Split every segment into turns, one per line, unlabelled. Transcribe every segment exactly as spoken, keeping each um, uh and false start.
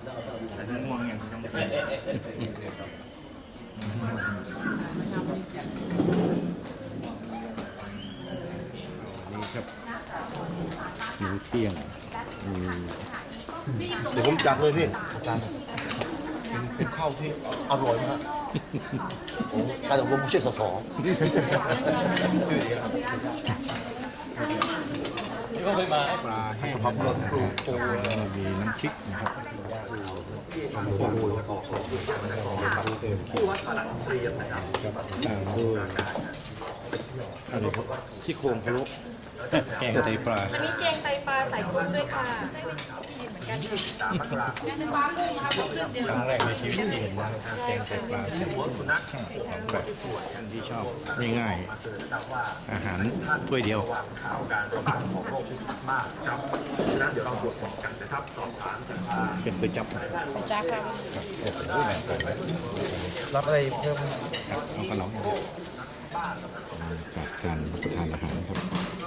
แต่ถ้าง่วงอย่างที่ต้องกิน
นี่ครับมื้อเที่ยงมี
เดี๋ยวผมจัดเลยพี่จัดเป็นข้าวที่อร่อยมากผมการอบรมผู้ช่วยสสชื่อนี้ครับ
นี่ก็เคยมา
ปลาแห้ง
ผักหล่นปลูกปู
มีน้ำพริกนะครับ
ที่วัดตลาดเรียนนะครับ
ตามด้วยอะไรครับซี่โครงพะโล้แกงไตปลา
อันนี้แกงไตปลาใส่กุ้งด้วยค่ะได้เหมือนกันแกงไตปลากุ้งนะคะเครื่องเดียว
ครั้งแรกในชีวิตที่เห็นนะครับแกงไตปลาใส่กุ้งแบบท่านที่ชอบง่ายๆอาหารถ้วยเดียว
ข่าวการระบาดของโรคที่สุดมากครับฉะนั้นเดี๋ยวเราตรวจสอบกันนะครับ สอบถามจากทาง
เป็นก๋วยจั๊บครับ
จ้าค่ะ
โอ้โหแบบไป
รับอะไรเพิ่ม
ครับเอาขนมจากการรับประทานอาหารครับ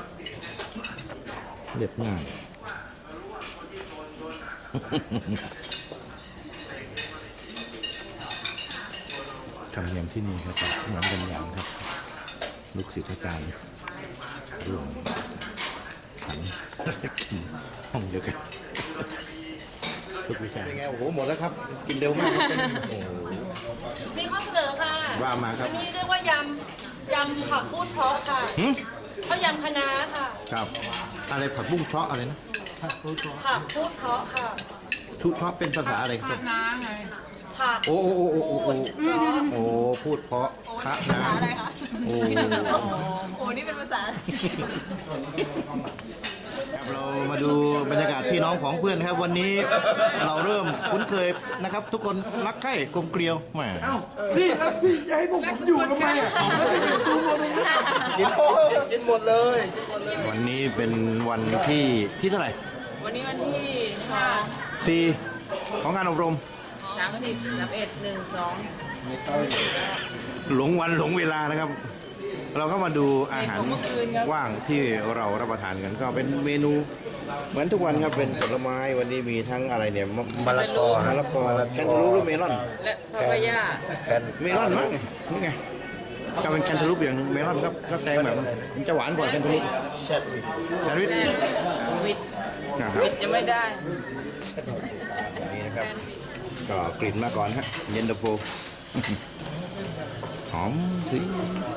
เรียบง่าย ทำเนียมที่นี่ครับเหมือนกันอย่างครับ ลูกศิษย์อาจารย์ร่วมขันกินห้องเดียวกันทุกวิชาเป็นไงโอ้โหหมดแล้วครับ กินเร็วมากครับโอ้โห
มีข้อเสนอค่ะ
ว่ามาครับ
อันนี้เรียกว่ายำยำผักพูดเพราะค่ะ
หึ
ข้าวยำคะน้าค่ะ
ครับ อะไรผักบุ้งเชาะอะไรนะ
ผักพูดเพราะค่ะ
ทุเชาะเป็นภาษาอะไรครับ
ผัก
โอ้โอ้โอ้โอ้โอ้โอ้
เพราะ
โอ้พูดเพราะคะนะโอ้
โอ้นี่เป็นภาษา
ครับเรามาดูบรรยากาศพี่น้องของเพื่อนครับ วันนี้เราเริ่มคุ้นเคยนะครับ ทุกคนรักใคร่กลมเกลียวแหม
พี่ครับพี่จะให้ผมอยู่ทำไมอ่ะซูมมาตรงนี้กินกินหมดเลยกินหมดเลย
วันนี้เป็นวันที่ที่เท่าไหร่
วันนี้วันที่สอง
สี่ของงานอบรม
สามสิบสามเอ็ดหนึ่งสอง
หลงวันหลงเวลานะครับ เราก็มาดูอาหารว่างที่เรารับประทานกันก็เป็นเมนูเหมือนทุกวันครับเป็นผลไม้วันนี้มีทั้งอะไรเนี่ยมะ
มะละกอ
มะละกอแคนตาลูปหรือเมลอน
และพาปายา
แคน
เมลอนมั้งนี่ไงก็เป็นแคนตาลูปอย่างหนึ่งเมลอนครับก็แตงแบบมันจะหวานกว่าแคนตาลูป
แชทวิ
แซนด์วิช
แซนวิท
นะครับ
วิทจะไม่ได้
นี่นะครับก็กลิ่นมาก่อนฮะเย็นตาโฟ หอมถึง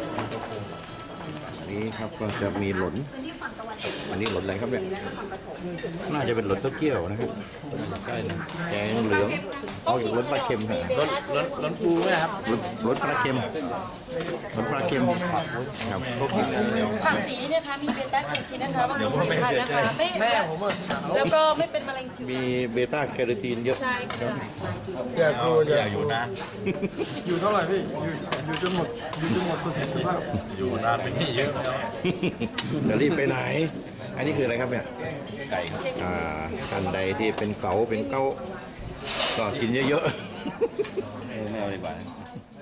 นี่ครับก็จะมีหล่นอันนี้หล่นอะไรครับเนี่ยน่าจะเป็นหล่นเต้าเกี้ยวนะครับใช่นะแกงเหลืองเอาจากหล่นปลาเค็มครับ
รถรถรถปูไหมครับ
หล่นหล่นปลาเค็มหล่นปลาเค็มครับ
ผักสีเนี่ยค่ะมีเบต้าแคโรทีนนะคะบำรุงผิวพรรณนะคะไม่แม่ผมแล้วก็ไม่เป็นมะเร็งผิว
มีเบต้าแคโรทีนเยอะ
ใช่ค่ะ
อย่ากลัวอย่าอยู่นะ
อยู่เท่าไหร่พี่ อยู่อยู่จนหมด อยู่จนหมดประสิทธิภาพ
อยู่นานเป็นที่เยอะแล้ว
จะรีบไปไหน อันนี้คืออะไรครับเนี่ยไก่ครับอ่าท่านใดที่เป็นเก๋าเป็นเก้าก็กินเยอะๆ
ไม่เอาดีกว่า